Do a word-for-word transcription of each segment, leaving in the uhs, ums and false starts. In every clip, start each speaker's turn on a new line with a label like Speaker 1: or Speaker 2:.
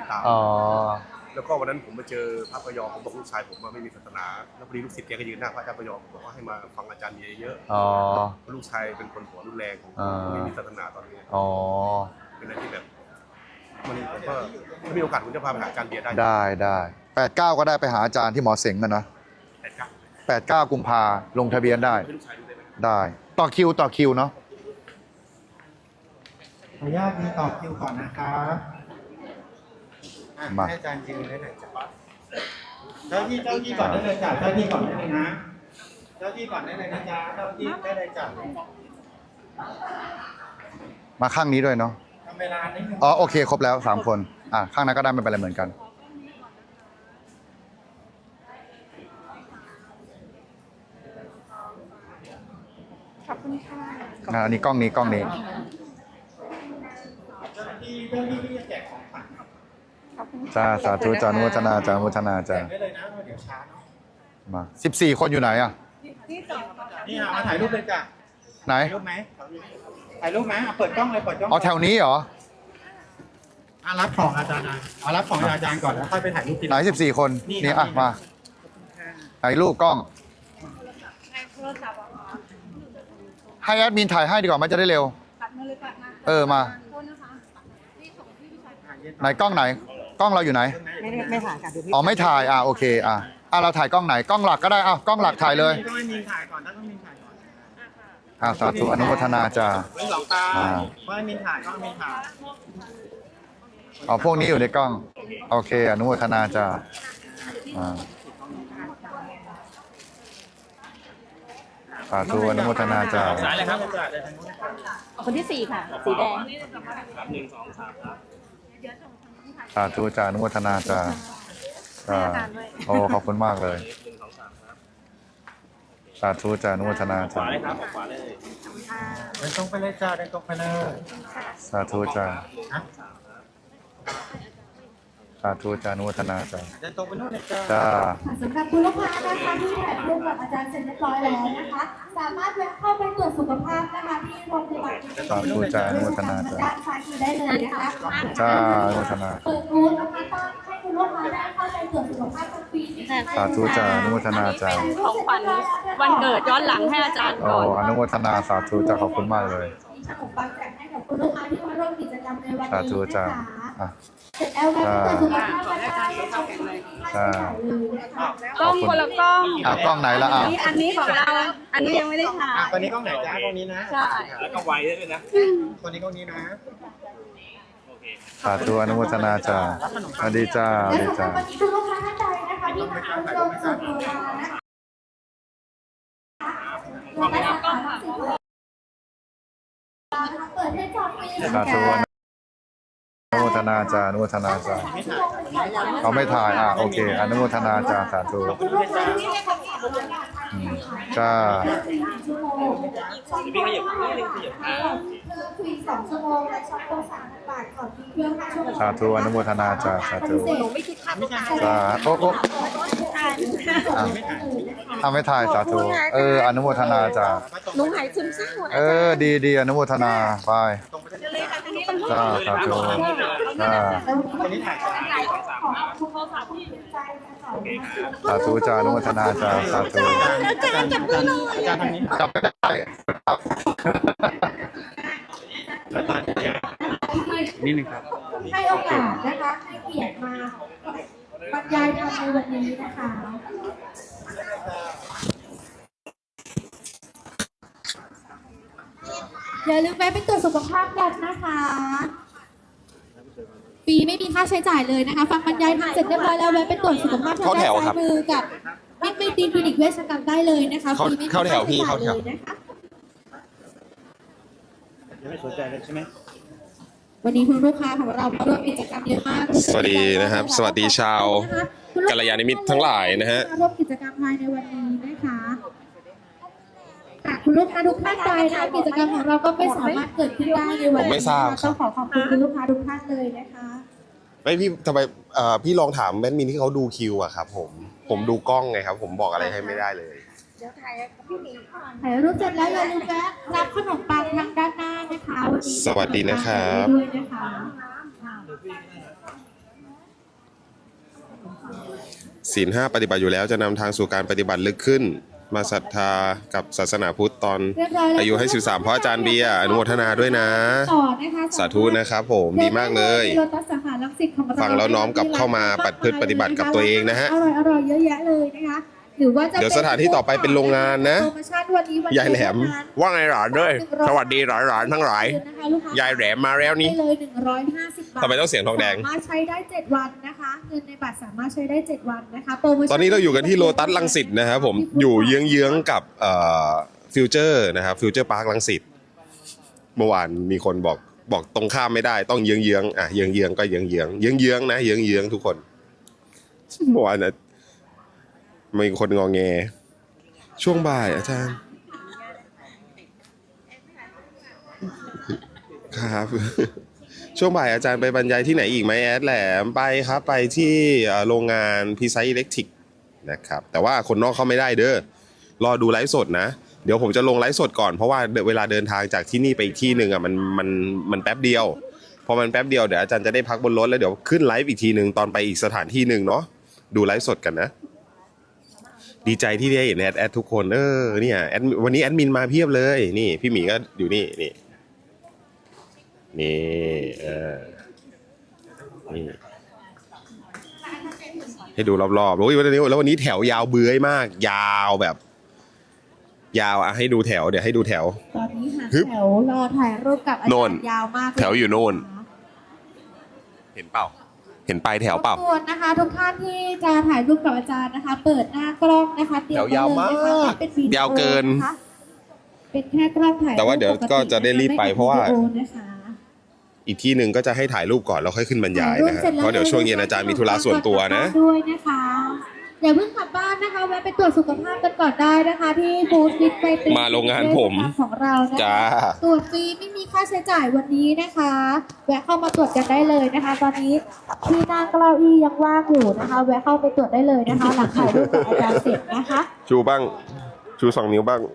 Speaker 1: ตาม
Speaker 2: อ๋อ
Speaker 1: แล้วก็วันนั้นผมมาเจอพระพยอมผมบอกลูกชายผมว่าไม่มีศาสนาแล้วพอดีลูกศิษย์แกก็ยืนหน้าพระอาจารย์พยอมบอกว่าให้มาฟังอาจารย์เยอะๆอ๋อลูกชายเป็นคนหัวรุนแรงไม่มีศาสนาตอนนี้อ๋อเป็นอะไรที่แบบมันผมก็ถ้ามีโอกาสผมจะพาไปหาอาจารย์เบียร์ได้
Speaker 2: ได้ได้แปดเก้าก็ได้ไปหาอาจารย์ที่หมอเสงกันนะ
Speaker 1: แปดเก้า
Speaker 2: แปดเก้ากุมภาลงทะเบียนได้ได้ต่อคิวต่อคิวเนาะ
Speaker 3: ขออนุญาตมีต่อคิวก่อนนะครับให้อาจารย์ยืนได้เลยจ้ะเจ้าที่เจ้าที่ก่อนได้เลยจ้ะเจ้าที่ก่อนได้เลยนะเจ้าที่ก่อนได้เลยนะจ๊ะเจ้าที่ได้เลยจ้ะ
Speaker 2: มาข้างนี้ด้วยเนาะ
Speaker 3: ทำเวลานิดนึง
Speaker 2: อ๋อโอเคครบแล้วสามคนอ่ะข้างนั้นก็ได้ไม่เป็นไรเหมือนกัน
Speaker 4: ขอบคุณค่ะ
Speaker 2: อ่าอันนี้กล้องนี้กล้องนี้
Speaker 3: เจ้าที่เจ้าที่ที่จะแจกของขวัญ
Speaker 2: จ้าสาธุจานุโมทนาจานุโมทนา
Speaker 3: แจ
Speaker 2: จ้าก
Speaker 3: ได้เลยนะเดี๋ยวช้าเนาะ
Speaker 2: มาสิบสี่คนอยู่ไหนอ่ะ
Speaker 3: นี่มาถ่ายรูปเลยจ้ะ
Speaker 2: ไหน
Speaker 3: ถ่ายรูปไหมถ่ายรูปไหมเปิดกล้องเลยเปิดกล้อง
Speaker 2: อ๋อแถวนี้เหรอ
Speaker 3: อ่ะรับของอาจารย์นะเอารับของอาจารย์ก่อนแล้วค่อยไปถ่ายรูปทีห
Speaker 2: ไหนสิบสี่คนนี่อ่ะมาถ่ายรูปกล้องให้แอดมินถ่ายให้ดีกว่ามันจะได้เร็วเออมาไหนกล้องไหนกล้องเราอยู่ไหน
Speaker 4: ไม่ไม่ถ่ายค่ะดูพี่
Speaker 2: อ๋อไม่ถ่ายอ่ะโอเคอ่ะอ่ะเราถ่ายกล้องไหนกล้องหลักก็ได้อ่ะกล้องหลักถ่ายเลย
Speaker 3: ต้องให้มินถ่ายก่อนต้องให้มินถ่ายก่อน
Speaker 2: อ่ะสาธุอนุโมทนาจ้า
Speaker 3: หลอกตาต้องให้มินถ่ายต้องให้มินถ่าย
Speaker 2: อ๋อพวกนี้อยู่ในกล้องโอเคอนุโมทนาจ้าอ่าสาธุอนุโมทนาจ้า
Speaker 3: สายเลยครับ
Speaker 4: คนที่สี่ค่ะสีแดง
Speaker 3: หนึ่งสองสามครับ
Speaker 2: สาธุจ้าอนุโมทนาจ้าจ้าโอ้ขอบคุณมากเลยสาธุจ้าอนุโมทนาจ้า
Speaker 3: ขวาเลยครับขวาเลยเดินตรงไปเลยจ้าเดินตรงไปเลย
Speaker 2: สาธุจ้าสาธุจ้าอนุโมทนาจ้า
Speaker 3: เดินตรงไปนู่นเลยจ้า
Speaker 2: จ้า
Speaker 5: สำหรับคุณลูกค้านะคะที่ถ่ายรูปกับอาจารย์เสร็จเรียบร้อยแล้วนะคะสามารถแวะเข้าไปตรวจสุขภาพนะคะที่โรงพยาบาล
Speaker 2: สาธุจ้าอนุโมทนาจ้า
Speaker 5: ด้านซ้ายมือได้เลยนะคะ
Speaker 2: จ้าอนุโมทนา
Speaker 5: เปิดบูธนะคะต้อนให้คุณลูกค้าได้เข้าไปตรวจสุขภาพทุกปี
Speaker 2: สาธุจ้าอนุโมทนาจ้า
Speaker 4: ของขวัญวันเกิดย้อนหลังให้อาจารย์ก่อน
Speaker 2: โอ้อนุโมทนาสาธุจ้าขอบคุณมากเลย
Speaker 5: ขนมปังแจกให้กับคุณลูกค้าที่มาร่วมกิจกรรมในวันนี้
Speaker 2: สาธุจ้าอ่ะ
Speaker 5: เสร็จแล้วแล้วตรวจสุขภาพนะคะ
Speaker 2: จ้
Speaker 4: กล้องคนละกล้อง
Speaker 2: อ่ะกล้องไหนละอ่ะ
Speaker 4: อันนี้ของเราอันนี้ยังไม่ได้ถ่าย
Speaker 3: ตอนนี้กล้องไหนจ้ากล้องนี้นะ
Speaker 4: ใช่
Speaker 3: แล้วก็ไวด้วยนะตอนนี้กล้องนี้นะ
Speaker 2: สาธุอนุโมทนาจ้าสวัสดีจ้าสวัสดีจ้า
Speaker 5: วันนี้คุณลูกค้าท่านใดนะคะที่มาร่วมสุขภาพนะคะเปิดให้จอดฟรี
Speaker 2: สาธุอนุโมทนาจ้าอนุโมทนาจ้าเขาไม่ถ่ายอ่ะโอเคอนุโมทนาจ้าสาธุจ้า
Speaker 5: พี่ขยับนิดนึงขยับเพิ่มฟรีสองชั่วโมงและช็อปโปรสามบาทก่อนที่เครื่องห้าชั่วโมง
Speaker 2: สาธุอนุโมทนาจ้าสาธุสาธุโอ้ทำไม่ถ่ายสาธุเอออนุโมทนาจ้า
Speaker 4: ลุงหายซึมเศร้า
Speaker 2: เออดีดีอนุโมทนาไปจ้าสาธุจ้าสาธุจ้าอนุโมทนาจ้าสาธุ
Speaker 4: อาจารย์จับมือหน่อย
Speaker 3: อาจารย์ทางนี้
Speaker 2: จับไม่ได้
Speaker 3: นี่นึงครับ
Speaker 5: ให้โอกาสนะคะให้เกียรติมาบรรยายธรรมในวันนี้นะคะอย่าลืมแวะไปตรวจสุขภาพกันนะคะฟรีไม่มีค่าใช้จ่ายเลยนะคะฟังบรรยายทำเสร็จเรียบร้อยแล้วแวะไปตรวจสุขภาพทางด้านซ้ายมือกับมิตรไมตรีคลินิกเวชกรรมได้เลยนะคะฟรีไม่มีค่าใช้จ่ายเลยนะคะ
Speaker 3: ยังไม่สนใจเลยใช่ไหม
Speaker 5: วันนี้คุณลูกค้าของเราร่วมกิจกรรมเยอะมาก
Speaker 6: สวัสดีนะครับสวัสดีชาวกัลยาณมิตรทั้งหลายนะฮะ
Speaker 5: ร่วมกิจกรรมภายในวันนี้นะคะคุณลูกค้าทุกท่านใดนะกิจกรรมของเราก็ไม่สามารถเกิดขึ้นได้ในวันนี้ต้องขอขอบคุณคุณลูกค้าทุกท่านเลยนะคะ
Speaker 6: ไม่พี่ทำไมพี่ลองถามแมดมินที่เขาดูคิวอะครับผมผมดูกล้องไงครับผมบอกอะไรให้ไม่ได้เลย
Speaker 5: เดี๋ยวถ่ายพี่หมีก่อนถ่ายรูปเสร็จแล้วอย่าลืมแวะรับขนมปังทางด้านหน้านะคะวันนี้
Speaker 6: สวัสดีนะครับ
Speaker 5: ด้วยนะคะ
Speaker 6: ศีลห้าปฏิบัติอยู่แล้วจะนำทางสู่การปฏิบัติลึกขึ้น มาศรัทธากับศาสนาพุทธตอน
Speaker 5: เรียบร้อยแล้ว
Speaker 6: อายุให้สิบสามเพราะอาจารย์เบียร์อนุโมทนาด้วยนะ
Speaker 5: ต่อนะคะ
Speaker 6: สาธุนะครับผมดีมากเลย
Speaker 5: โลตัสสาขาลังสิตของเรา
Speaker 6: ฟังแล้วน้อมกลับเข้ามาปฏิพฤติปฏิบัติกับตัวเองนะฮะ
Speaker 5: อร่อยอร่อยเยอะแยะเลยนะคะหรือว่าจะ
Speaker 6: เดี๋ยวสถานที่ต่อไปเป็นโรงงานนะ
Speaker 5: โปรโมชั่นวันนี้วัน
Speaker 6: ยายแหลม ว่าไงหลานด้วยสวัสดีหลานๆทั้งหลาย
Speaker 5: นะคะลูกค้
Speaker 6: ยายแหลมมาแล้วนี่
Speaker 5: ได้เลยหนึ่งร้อยห้าสิบบาท
Speaker 6: ทำไมต้องเสียงทองแดง
Speaker 5: สามารถใช้ได้เจ็ดวันนะคะเงินในบัตรสามารถใช้ได้เจ็ดวันนะคะโปรโมชั่น
Speaker 6: ตอนนี้เราอยู่กันที่โลตัสลังสิตนะครับผมอยู่เยื้องๆกับเอ่อฟิวเจอร์นะครับฟิวเจอร์พาร์คลังสิตเมื่อวานมีคนบอกบอกตรงข้ามไม่ได้ต้องเยื้องๆอ่ะเยื้องๆก็เยื้องๆเยื้องๆนะเยื้องๆทุกคนเมื่อวานนะมีคนงอแงช่วงบ่ายอาจารย์ครับ ช่วงบ่ายอาจารย์ไปบรรยายที่ไหนอีกไหมแอดแหลมไปครับไปที่เอ่อโรงงานพีไซอิเล็กทริกนะครับแต่ว่าคนนอกเข้าไม่ได้เด้อรอดูไลฟ์สดนะเดี๋ยวผมจะลงไลฟ์สดก่อนเพราะว่าเวลาเดินทางจากที่นี่ไปอีกที่หนึ่งอ่ะมันมันมันแป๊บเดียวพอมันแป๊บเดียวเดี๋ยวอาจารย์จะได้พักบนรถแล้วเดี๋ยวขึ้นไลฟ์อีกทีหนึ่งตอนไปอีกสถานที่หนึ่งเนาะดูไลฟ์สดกันนะดีใจที่ได้เห็นแอดแอดทุกคนเออเนี่ยแอดวันนี้แอดมินมาเพียบเลยนี่พี่หมีก็อยู่นี่นี่นี่เออนี่ให้ดูรอบๆโอ้ยวันนี้แล้ววันนี้แถวยาวเบื้อยมาก ยาวแบบ ยาวอ่ะให้ดูแถวเดี๋ยวให้ดูแถว
Speaker 5: ตอนนี้หา
Speaker 6: ฮึบ
Speaker 5: แถวรอถ่ายรูปกับอา
Speaker 6: โน่
Speaker 5: จาน รย์ยาวมากเล
Speaker 6: แถวอยู่โน่น เห็นเปล่า เห็นปลายแถวเปล่า
Speaker 5: รบกวนนะคะทุกท่านที่จะถ่ายรูปกับอาจารย์นะคะ เปิดหน้ากล้องนะคะเตรียม
Speaker 6: แถวยาวมาก
Speaker 5: ไว้เลยนะคะเป็นวิดีโอย
Speaker 6: าวเกิน
Speaker 5: นะคะเป็นแค่กล้องถ่าย
Speaker 6: แต่ว่าเดี๋ยวก็จะได้รีบไปเพราะว่า
Speaker 5: ไม่ป็นวิดีโอนะคะ
Speaker 6: อีกที่หนึ่งก็จะให้ถ่ายรูปก่อนแล้วค่อยขึ้นบรรยายนะฮะ
Speaker 5: ถ่รูปสจแล้
Speaker 6: เพราะเดี๋ยวช่วงเย็นอาจารย์มีธุระส่วนตัวนะ
Speaker 5: ด้วยนะคะอย่าเพิ่งกลับบ้านนะคะแวะไปตรวจสุขภาพกันก่อนได้นะคะ ที่บูธฟิตไปตรี
Speaker 6: มาโรงงานผม
Speaker 5: ของเรานะคะ
Speaker 6: จ้า
Speaker 5: ตรวจฟรีไม่มีค่าใช้จ่ายวันนี้นะคะ แวะเข้ามาตรวจกันได้เลยนะคะ ตอนนี้ที่นั่งเก้าอี้ยังว่างอยู่นะคะ แวะเข้าไปตรวจได้เลยนะคะ หลังถ่ายรูปกับอาจารย์เสร็จนะคะ
Speaker 6: ชูบ้าง ชูสองนิ้วบ้าง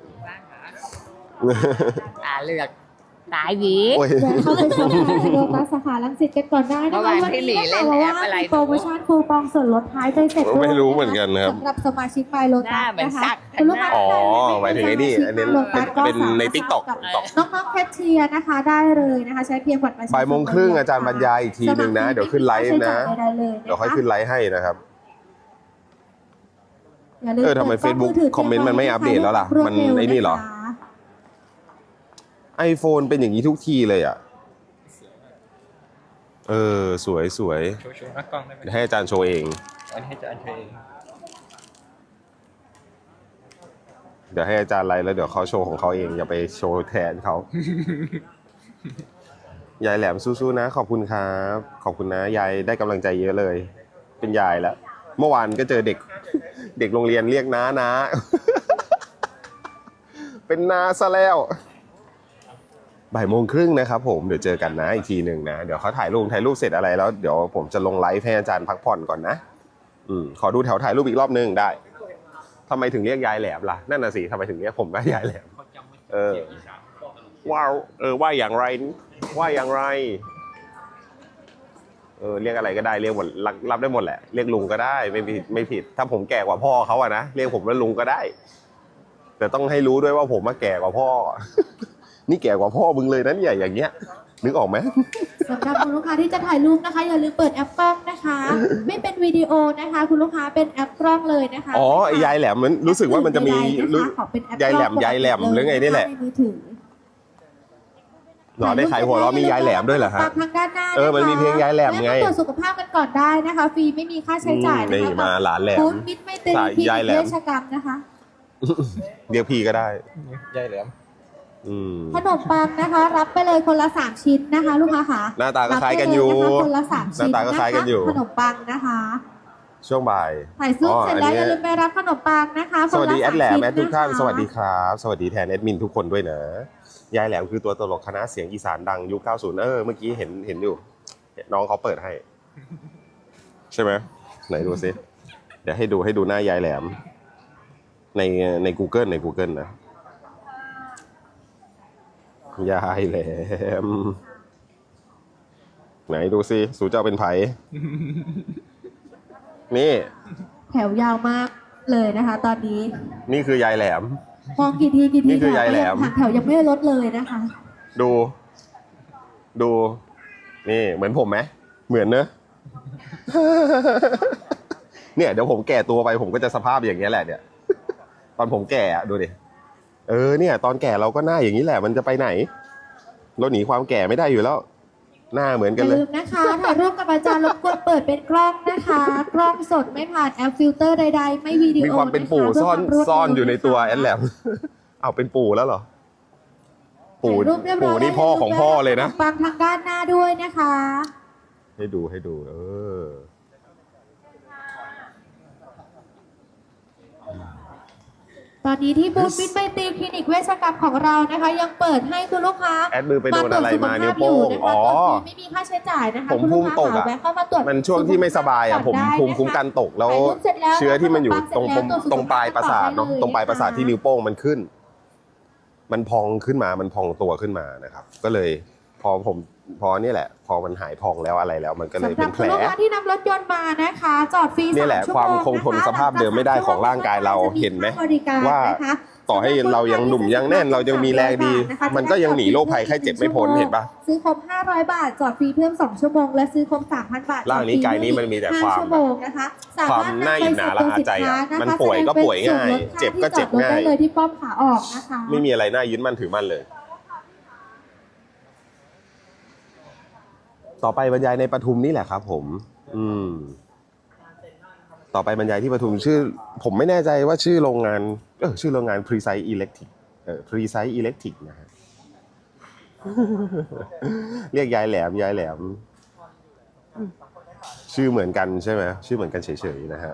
Speaker 7: ตาเลือกตายหวี
Speaker 6: โอ้ย
Speaker 5: แวะเข้าไปชมโลตัสสาขาลังสิตกันก่อนได้นะคะ
Speaker 7: เมื่อวาน
Speaker 5: วัน
Speaker 7: พี่หมี
Speaker 5: นี้นะ
Speaker 7: เล่
Speaker 5: คะ
Speaker 7: น
Speaker 5: เพราะ
Speaker 7: แอ
Speaker 5: ว่า
Speaker 7: ปอะไร
Speaker 5: มีโปรโมชั่นคูปองส่วนลดท้ายไปเสร็จด้วย
Speaker 6: ไม่รู้เหมือนกันนะครับ
Speaker 5: สำหรับสมาชิกไมโล
Speaker 7: ห
Speaker 5: ตั
Speaker 7: น้า
Speaker 5: ส
Speaker 7: เหมือน
Speaker 5: นะคะ
Speaker 7: สัก
Speaker 5: คุณลูกค้า
Speaker 6: อ๋อ
Speaker 5: ท่านใด
Speaker 6: หมายถึงไอ้นี่อันนี้
Speaker 5: โลตัสก็
Speaker 6: เป็นใน
Speaker 5: สามารถ
Speaker 6: TikTok
Speaker 5: กับน้องๆแคชเชียร์นะคะได้เลยนะคะ ใช้เพียงบัตรประชาชน
Speaker 6: บ่ายโมงครึ่งอาจารย์บรรยายอีกทีหนึ่งนะ เดี๋ยวขึ้นไลฟ์นะ
Speaker 5: สมัครได้เลยนะคะ
Speaker 6: เดี๋ยวค่อยขึ้นไลฟ์ให้นะครับ
Speaker 5: ย่าลืม
Speaker 6: เออทำไม Facebook
Speaker 5: ปิดกล้ง
Speaker 6: คอมเมนต์มันไม่อัปเดตแล้วล่ะ
Speaker 5: รวด
Speaker 6: มัน
Speaker 5: เร็ว
Speaker 6: ไอ้นี่เหรอ
Speaker 5: ะคะ
Speaker 6: iPhone เป็นอย่างนี้ทุกทีเลยอ่ะ เออ สวยสวย
Speaker 3: โชว์โชว์หน้ากล้องได้ไหม
Speaker 6: เดี๋ยวให้อาจารย์โชว์เอง
Speaker 3: อันนี้ให้อาจารย์โชว์เอง
Speaker 6: เดี๋ยวให้อาจารย์ไลฟ์แล้วเดี๋ยวเขาโชว์ของเขาเอง อย่าไปโชว์แทนเขา ยายแหลมสู้ๆนะ ขอบคุณครับ ขอบคุณนะ ยายได้กำลังใจเยอะเลย เป็นยายแล้ว เมื่อวานก็เจอเด็ก เด็กโรงเรียนเรียกน้าน้า เป็นน้าซะแล้ว บ่ายโมงครึ่งนะครับผม เดี๋ยวเจอกันนะอีกทีหนึ่งนะ เดี๋ยวเขาถ่ายรูปถ่ายรูปเสร็จอะไรแล้วเดี๋ยวผมจะลงไลฟ์ให้อาจารย์พักผ่อนก่อนนะ อืมขอดูแถวถ่ายรูปอีกรอบนึงได้ทำไมถึงเรียกยายแหลมล่ะ นั่นน่ะสิทำไมถึงเรียกผมว่ายายแหลม เออว้าวเออว่าอย่างไร ว่าอย่างไร เออเรียกอะไรก็ได้เรียกหมดรับรับได้หมดแหละ เรียกลุงก็ได้ไม่ผิดไม่ผิด ถ้าผมแก่กว่าพ่อเขาอะนะเรียกผมว่าลุงก็ได้ แต่ต้องให้รู้ด้วยว่าผมมาแก่กว่าพ่อ นี่แก่กว่าพ่อมึงเลยนะเนี่ยอย่างเงี้ยนึกออกไหม
Speaker 5: สำหรับคุณลูกค้าที่จะถ่ายรูปนะคะอย่าลืมเปิดแอปกล้องนะคะ ไม่เป็นวิดีโอนะคะ คุณลูกค้าเป็นแอปกล้องเลยนะคะ
Speaker 6: อ๋อไอ้ยายแหลมมันรู้สึกว่ามันจะมี
Speaker 5: ใดๆนะคะขอเป็นแอปกล้อง
Speaker 6: ยายแหลมยายแหลมหรือไงนี่แหละ
Speaker 5: ในมือถือ
Speaker 6: หรอได้ขายหัวเราะมียายแหลมด้วยเหรอฮะ
Speaker 5: ปากทางด้านหน้า
Speaker 6: เออมันมีเพลงยายแหลมไง
Speaker 5: แวะาตรวจสุขภาพกันก่อนได้นะคะฟรีไม่มีค่าใช้จ่ายนะ
Speaker 6: นี่
Speaker 5: คะ
Speaker 6: มาหลานแหลม
Speaker 5: บูธมิตรไม่เต็ม
Speaker 6: สาย
Speaker 5: ที่
Speaker 6: ยายแหลม
Speaker 5: เวชกรรมนะคะ
Speaker 6: เรียกพี่ก็ได้
Speaker 3: ยายแหลม
Speaker 6: อืม
Speaker 5: ขนมปังนะคะ รับไปเลยคนละสามชิ้นนะคะ ลูกค้าค่ะ
Speaker 6: หน้าตาก็คล้ายกันอยู่
Speaker 5: รับไปเลนะคะคนละสามชิ้น
Speaker 6: หน้าตาก็คล้ายกันอยู่
Speaker 5: ขนมปังนะคะ
Speaker 6: ช่วงบ่าย
Speaker 5: ถ่ายรูปเสร็จแล้ว
Speaker 6: อ๋ออันนี้
Speaker 5: อย่าลืมไปรับขนมปังนะคะ
Speaker 6: สวัสดี
Speaker 5: คน
Speaker 6: แอ
Speaker 5: ละ
Speaker 6: ดแหลม
Speaker 5: สม
Speaker 6: แอดทุกท่าน
Speaker 5: ชิ้ะคะ
Speaker 6: สวัสดีครับ สวัสดีแทนแอดมินทุกคนด้วยนะ ยายแหลมคือตัวตลกคณะเสียงอีสานดังยุคเก้าสิบเออเมื่อกี้เห็นเห็นอยู่ น้องเขาเปิดให้ ใช่ไหมไหนดูซิเดี๋ยวให้ดูให้ดูหน้ายายแหลม ในใน Google ใน Google นะ ยายแหลม ไหนดูซิสูเจ้าเป็นไผ นี่
Speaker 5: แถวยาวมากเลยนะคะ ตอนนี้
Speaker 6: นี่คือยายแหลม
Speaker 5: มองกี่ทีกี่ที
Speaker 6: นี่คือยายแหลม
Speaker 5: หางแถวยังไม่ลดเลยนะคะ
Speaker 6: ดู ดู นี่เหมือนผมไหมเหมือนเนอะ เนี่ยเดี๋ยวผมแก่ตัวไปผมก็จะสภาพอย่างเงี้ยแหละเนี่ย ตอนผมแก่อะดูดิเออเนี่ย ตอนแก่เราก็หน้าอย่างนี้แหละมันจะไปไหนเราหนีความแก่ไม่ได้อยู่แล้ว หน้าเหมือน
Speaker 5: อ
Speaker 6: กัน
Speaker 5: ย่า
Speaker 6: เลย
Speaker 5: ลืมนะคะถ่ายรูปกับอาจารย์รบกวนเปิดเป็นกล้องนะคะ กล้องสดไม่ผ่านแอปฟิลเตอร์ใดๆ ไม่วิดีโอ
Speaker 6: มีความเป็นปู่
Speaker 5: ะะ
Speaker 6: ซ่อน
Speaker 5: เพื่ความรวดเร็ว
Speaker 6: ซ่อนอยู่ในตัว
Speaker 5: ะคะ
Speaker 6: แอดแหลม เอาเป็นปู่แล้วเหรอ ปู่
Speaker 5: ถ่ายรูปเรียบร้
Speaker 6: ปู่
Speaker 5: อย
Speaker 6: นี่พ่อของพ่อเลยนะ
Speaker 5: ปังทางด้านหน้าด้วยนะคะ
Speaker 6: ให้ดูให้ดู เออ
Speaker 5: ตอนนี้ที่บูธฟิตไบตีคลินิกเวชกรรมของเรานะคะ ยังเปิดให้คุณลูกค้า
Speaker 6: แอดมือไปโดนอะไรมานิ้วโป้ง
Speaker 5: มาตรวจสุข
Speaker 6: อ๋
Speaker 5: ภา
Speaker 6: อ
Speaker 5: พอยู่นะคะตอนนี้ไม่มีค่าใช้จ่ายนะคะ
Speaker 6: ผม
Speaker 5: คุณ
Speaker 6: ภู
Speaker 5: ลูก
Speaker 6: มิ
Speaker 5: ค้า
Speaker 6: ตกอ่ะ
Speaker 5: สามารถเข้ามาตรวจ
Speaker 6: มันช่วงที่ไม่สบายอ่ะผม
Speaker 5: ได้นะคะ
Speaker 6: ภูมิคุ้มกันตกแล้ว
Speaker 5: ถ่ายรูปเสร็จแล้ว
Speaker 6: เชื้อที่มันอยู่ตรง
Speaker 5: ขนมปังเสร็จแล้ว
Speaker 6: ตรงปลายประสาทเนาะ
Speaker 5: ตรวจสุขภาพ
Speaker 6: ตรงปลายประสาทที่นิ้วโป้งมันขึ้น มันพองขึ้นมามันพองตัวขึ้นมานะครับ ก็เลยพอผมพอนี่แหละ พอมันหายพองแล้วอะไรแล้ว มันก็เลย
Speaker 5: สำห
Speaker 6: เป็
Speaker 5: รับ
Speaker 6: นแผ
Speaker 5: คุณ
Speaker 6: ล
Speaker 5: ลูกค้าที่นำรถยนต์มานะคะ จอดฟรี
Speaker 6: นี่แหละ
Speaker 5: สชั่
Speaker 6: ความ
Speaker 5: โง
Speaker 6: คงทนสภาพเดิมไม่ได้ของร่างกายเราเห็นไหม
Speaker 5: บริกร
Speaker 6: ว่า
Speaker 5: นะคะ
Speaker 6: ต่อให้เรายังหนุ่มยังแน่นเรายังมีแรงดี มันก็ยังหนีโรคภัยไข้เจ็บไม่พ้นเห็นปะ
Speaker 5: ซื้อครบห้าร้อยบาทจอดฟรีเพิ่มสองชั่วโมงและซื้อครบสามพันบาท
Speaker 6: ร่างนี้กายนี้มันมีแต่ความ
Speaker 5: ห้ชั่วโมงนะคะส
Speaker 6: ความน่าอิจฉาละอาใจอะมันป่วยก็ป่วยง่ายเจ็บก็เจ็บง่าย
Speaker 5: ได้เลยที่ป้อมขาออกนะคะ
Speaker 6: ไม่มีอะไรน่ายึดมั่นถือมั่นเลย ต่อไปบรรยายในปทุมนี่แหละครับผม อืม ต่อไปบรรยายที่ปทุมชื่อ ผมไม่แน่ใจว่าชื่อโรงงาน เออชื่อโรงงาน Precise Electric เออ Precise Electric นะฮะ เรียกยายแหลมยายแหลม ชื่อเหมือนกันใช่ไหมชื่อเหมือนกันเฉยๆนะฮะ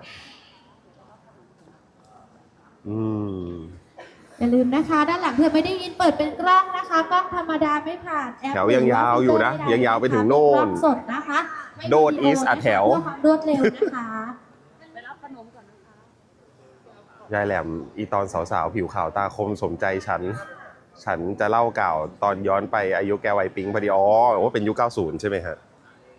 Speaker 6: อืม
Speaker 5: อย่าลืมนะคะ ด้านหลังเธอไม่ได้ยินเปิดเป็นกล้องนะคะกล้องธรรมดาไม่ผ่านแอป
Speaker 6: แถวยังยาวอยู่นะยังยาวไปถึงโน่น
Speaker 5: กล้องสดนะคะไม่มี
Speaker 6: โดด East อ่ะแถว
Speaker 5: เพื่อความรวดเร็วนะคะ
Speaker 6: ยายแหลมอีตอนสาวๆผิวขาวตาคมสมใจฉัน ฉันจะเล่าเก่าตอนย้อนไปอายุแกวัยปิ๊งพอดีอ๋อว่าเป็นยุคเก้าสิบใช่ไหมฮะ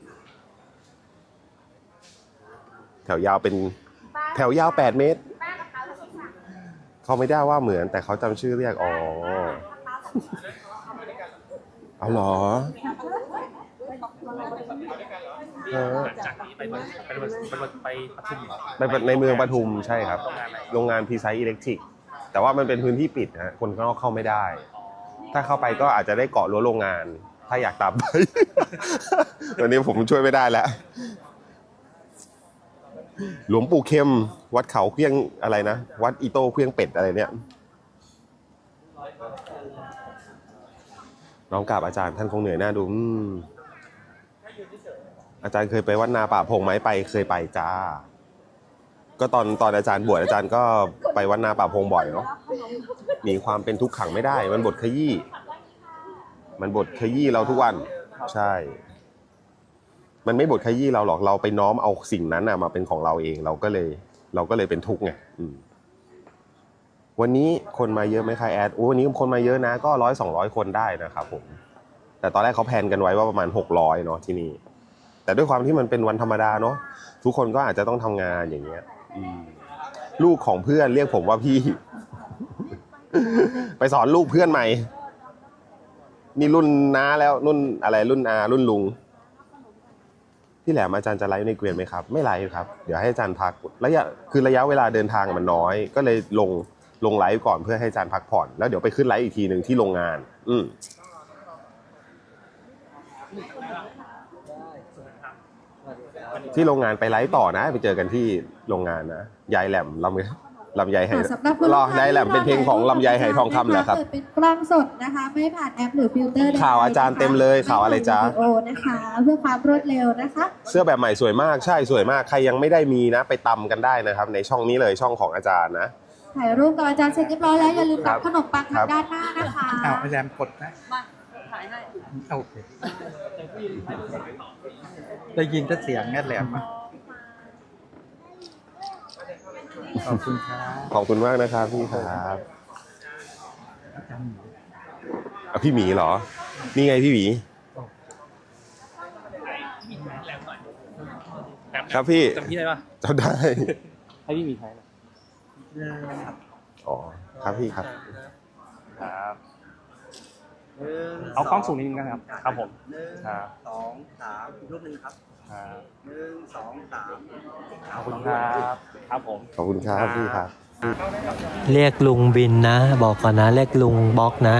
Speaker 6: แถวยาวเป็นแถวยาวแปดเมตรเขาไม่ได้ว่าเหมือนแต่เขาจำชื่อเรียกอ๋อเอาเหรอเออ
Speaker 8: จากนี้ไปไปไปไปปทุมเหรอ
Speaker 6: ไปในเมืองปทุมใช่ครับ โรงงานพีไซอิเล็กทริกแต่ว่ามันเป็นพื้นที่ปิดนะคนข้างนอกเข้าไม่ได้ ถ้าเข้าไปก็อาจจะได้เกาะรั้วโรงงาน ถ้าอยากตามไป วันนี้ผมช่วยไม่ได้แล้ว หลวงปู่เข้มวัดเขาเพียงอะไรนะ วัดอีโต้เพียงเป็ดอะไรเนี่ยน้องกราบอาจารย์ท่านคงเหนื่อยหน้าดูอืมอาจารย์เคยไปวัดนาป่าพงไหมไปเคยไปจ้า ก็ตอนตอนอาจารย์บวชอาจารย์ก็ไปวัดนาป่าพงบ่อยเนาะหนีความเป็นทุกข์ขังไม่ได้ มันบทขยี้มันบทขยี้เราทุกวันใช่ มันไม่บทขยี้เราหรอกเราไปน้อมเอาสิ่งนั้นนะมาเป็นของเราเองเราก็เลย เราก็เลยเป็นทุกข์ไงวันนี้คนมาเยอะไหมคะแอดโอ้วันนี้คนมาเยอะนะก็ร้อยสองร้อยคนได้นะครับผมแต่ตอนแรกเขาแพลนกันไว้ว่าประมาณหกร้อยเนาะที่นี่แต่ด้วยความที่มันเป็นวันธรรมดาเนาะทุกคนก็อาจจะต้องทำงานอย่างเงี้ยลูกของเพื่อนเรียกผมว่าพี่ ไปสอนลูกเพื่อนใหม่นี่รุ่นน้าแล้วรุ่นอะไรรุ่นอารุ่นลุงที่แหลมอาจารย์จะไลฟ์ในเกวียนไหมครับไม่ไลฟ์ครับเดี๋ยวให้อาจารย์พักระยะคือระยะเวลาเดินทางมันน้อยก็เลยลงลงไลฟ์ก่อนเพื่อให้อาจารย์พักผ่อนแล้วเดี๋ยวไปขึ้นไลฟ์อีกทีหนึ่งที่โรงงาน อืมที่โรงงานไปไลฟ์ต่อนะไปเจอกันที่โรงงานนะยายแหลมลำลำไยไหรอยายแหลมเป็นเพลงของลำไยไหทองคำเหรอครับ
Speaker 5: เปิดเป็นกล้องสดนะคะไม่ผ่านแอปหรือฟิลเตอร์ใดๆ
Speaker 6: ข่าวอาจารย์เต็มเลยข่าวอะไรจ๊ะ
Speaker 5: ม่ผ่านวิดีโอนะคะเพื่อความรวดเร็วนะคะ
Speaker 6: เสื้อแบบใหม่สวยมากใช่สวยมากใครยังไม่ได้มีนะไปตำกันได้นะครับ ในช่องนี้เลยช่องของอาจารย์นะ
Speaker 5: ถ่ายรูปกับอาจารย์เสร็จเรียบร้อยแล้วอย่าลืม
Speaker 6: ครั
Speaker 5: รับบ ขนมปัง
Speaker 6: ครั
Speaker 5: ทาง
Speaker 6: บ
Speaker 5: ด้านหน้านะคะ
Speaker 3: อ้าวอาจารย์กดนะ
Speaker 7: มาถ่ายให้
Speaker 3: โอเคได้ยินแต่เสียงแง่แหลมอะขอบคุณครับ
Speaker 6: ขอบคุณมากนะครับพี่ครับอ่ะพี่หมีเหรอนี่ไงพี่หมีครับพี่
Speaker 8: จำที่ได้ปะ
Speaker 6: จำได้
Speaker 8: ให้พี่มีใช้นะ
Speaker 6: อ๋อครับพี่ครับ
Speaker 8: ครับ
Speaker 3: หนึ่ง
Speaker 8: เอากล้องสูงนิดนึงนะครับ ครับผม
Speaker 3: หนึ่ง
Speaker 8: ครับ
Speaker 3: สองสามอีกรูปหนึ่งครับ
Speaker 8: ครับ
Speaker 3: หนึ่งสองสาม
Speaker 8: ขอบคุณครับครับผม
Speaker 6: ขอบคุณครับพี่ครับ
Speaker 9: เรียกลุงบินนะ บอกก่อนนะ เรียกลุงบล็อกนะ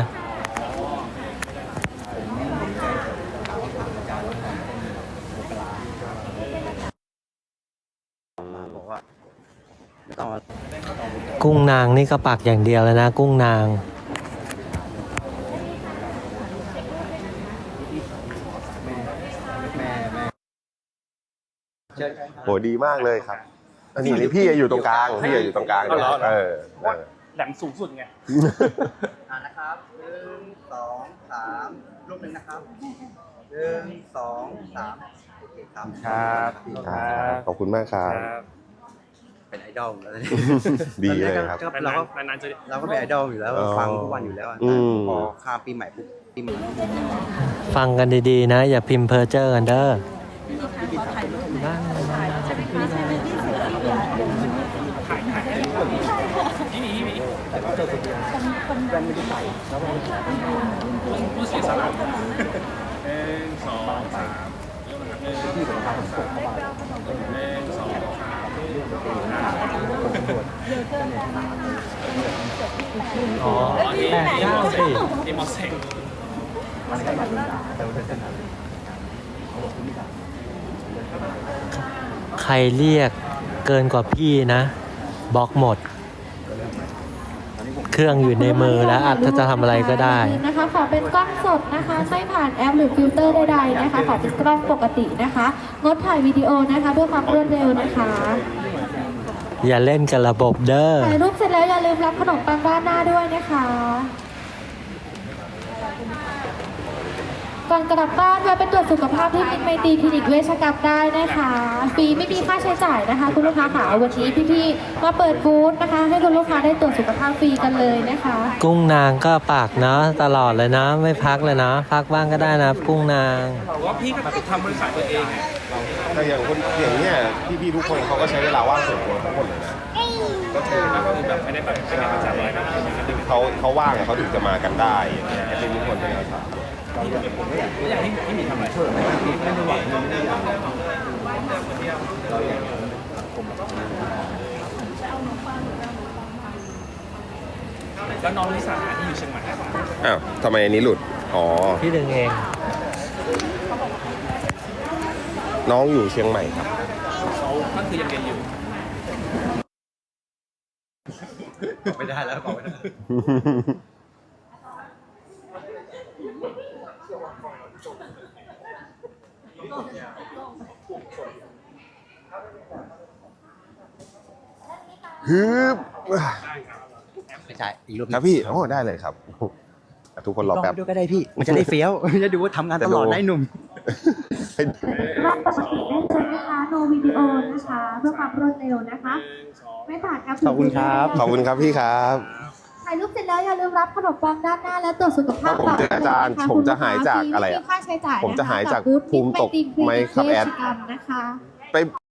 Speaker 9: กุ้งนางนี่ก็ปักอย่างเดียวแล้วนะ กุ้งนาง
Speaker 6: โหดีมากเลยครับอันนี้นี่พี่อยู่ตรงกลางพี่อยู่ตรงกลาง
Speaker 8: เอาเหรอ
Speaker 6: เออเออ
Speaker 8: แหลมสูงสุดไง
Speaker 3: อ่านะครับหนึ่งสองสามรูปหนึ่งนะครับหนึ่งสองสามโอเคครับ
Speaker 8: ครับ
Speaker 6: ครับขอบคุณมากครับ
Speaker 3: เป็นไอดอลแล้ว
Speaker 6: ดีเลยครับ
Speaker 3: เราก็
Speaker 8: นานๆจะ
Speaker 3: เราก็เป็นไอดอลอยู่แล้ว
Speaker 6: อ๋อ
Speaker 3: ฟังทุกวันอยู่แล้วอะ
Speaker 6: อืม
Speaker 3: พอข้ามปีใหม่ปุ๊บปีใหม่
Speaker 9: ฟังกันดีๆนะ อย่าพิมพ์เพอร์เจอร์กันเด้อ
Speaker 8: พี่หมีพี่หมีผู้เสียสละหนึ่งสองสามหนึ่งสองสามหนึ่งสองสามอ๋อที่ที่มอเซ็งที่มอเซ็ง
Speaker 9: ใครเรียกเกินกว่าพี่นะบล็อกหมด เครื่องอยู่ในมือแล้วอาจจะทำอะไรก็ได้
Speaker 5: นะคะขอเป็นกล้องสดนะคะไม่ผ่านแอปหรือฟิลเตอร์ใดๆนะคะขอเป็นกล้องปกตินะคะงดถ่ายวิดีโอนะคะเพื่อความรวดเร็วนะคะ
Speaker 9: อย่าเล่นกับระบบเด้อ
Speaker 5: ถ่ายรูปเสร็จแล้วอย่าลืมรับขนมปังด้านหน้าด้วยนะคะก่อนกลับบ้านแวะไปตรวจสุขภาพที่มิตรไมตรีคลินิกเวชกรรมได้นะคะฟรีไม่มีค่าใช้จ่ายนะคะคุณลูกค้าค่ะวันนี้พี่ๆมาเปิดบูธนะคะ ให้คุณลูกค้าได้ตรวจสุขภาพฟรีกันเลยนะคะ
Speaker 9: กุ้งนางก็ปากเนาะตลอดเลยนะ ไม่พักเลยนะ พักบ้างก็ได้นะกุ้งนาง
Speaker 8: ว่าพี่ก็ทำบริษัทตัวเองไง
Speaker 6: แต่อย่างคนอย่างเนี้ยพี่ๆทุกคนเขาก็ใช้เวลาว่างส่วนตัวทั้งหมดเลยนะก็คือ
Speaker 8: ก็คือแบบไม่ได้แบบไม่ได้ประจำอะไรนะ
Speaker 6: เขาเขาว่างอะเขาถึงจะมากันได้แอดมินทุกคนเป็นอาสา
Speaker 8: อยากให้พี่หมีทำอะไรไม่ได้หวังไม่ได้อยากแล้วน้องลิซ่าที่อยู่เชียงใหม่
Speaker 6: อ้าวทำไมอันนี้หลุดอ๋อ
Speaker 9: พี่ดึงเอง
Speaker 6: น้องอยู่เชียงใหม่ครับ
Speaker 8: เขาก็คือยังเรียนอยู่
Speaker 3: ไม่ได้แล้วบอกไม่ได้
Speaker 6: ฮึบ
Speaker 3: ไม่ใช่อีกรูป
Speaker 6: ครับพี่โอ้ได้เลยครับทุกคนรอแป๊บ
Speaker 3: ด้วยก็ได้พี่มันจะได้เฟี้ยวจะดูว่าทำงานตลอดได้หนุ่ม
Speaker 5: รอบปกติได้ใช่ไหมคะโนวิดีโอนะคะเพื่อความรวดเร็วนะคะไม่ผ่านแอป
Speaker 3: ขอบคุณครับ
Speaker 6: ขอบคุณครับพี่ครับ
Speaker 5: ถ่ายรูปเสร็จแล้วอย่าลืมรับขนมปังด้านหน้าและตรวจสุขภาพ
Speaker 6: ผมจะอาจารย์ผมจะหายจากอะไรอะ
Speaker 5: ค่าใช้จ่าย
Speaker 6: ผมจะหายจากภูมิตกไหมครับแอด
Speaker 5: นะคะ
Speaker 6: ไป